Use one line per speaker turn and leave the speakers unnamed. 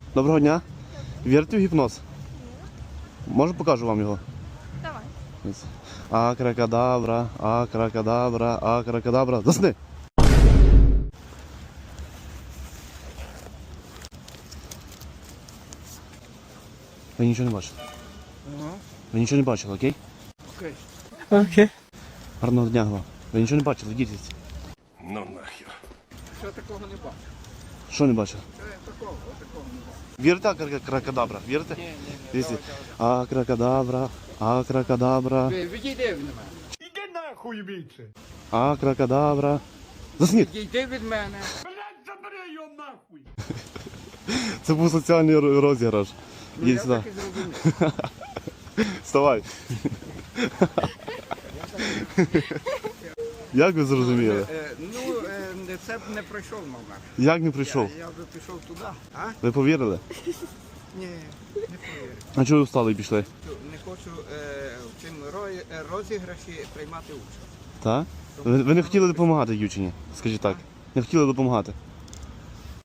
Доброго дня. Вірите в гіпноз? Може покажу вам його?
Давай.
Акракадабра, акракадабра, акракадабра. Засни! Ви нічого не бачили? Ви нічого не бачили, окей?
Окей.
Окей. Гарного дня вам. Ви нічого не бачили, йдіть звідси.
Ну нахер. Що такого не бачу?
Що не бачили?
Такого не бачу.
Вірите акракадабра? Вірите?
Ні.
Дивіться. Акракадабра, акракадабра,
Відійди від мене. Іди нахуй більше.
акракадабра. Засніть!
Відійди від мене. Блядь, забери його нахуй.
Це був соціальний розіграш.
Ну,
Їдь
я
сюди.
так і зрозумів.
Вставай. Як ви зрозуміли?
Це б не пройшов номер.
Як не прийшов?
Я вже пішов туди. А?
Ви повірили?
Ні, не повірю.
А чого ви встали і пішли?
Не хочу в цьому розіграші приймати участь.
Так? Ви не хотіли допомагати дівчині? Скажіть так. Не хотіли допомагати.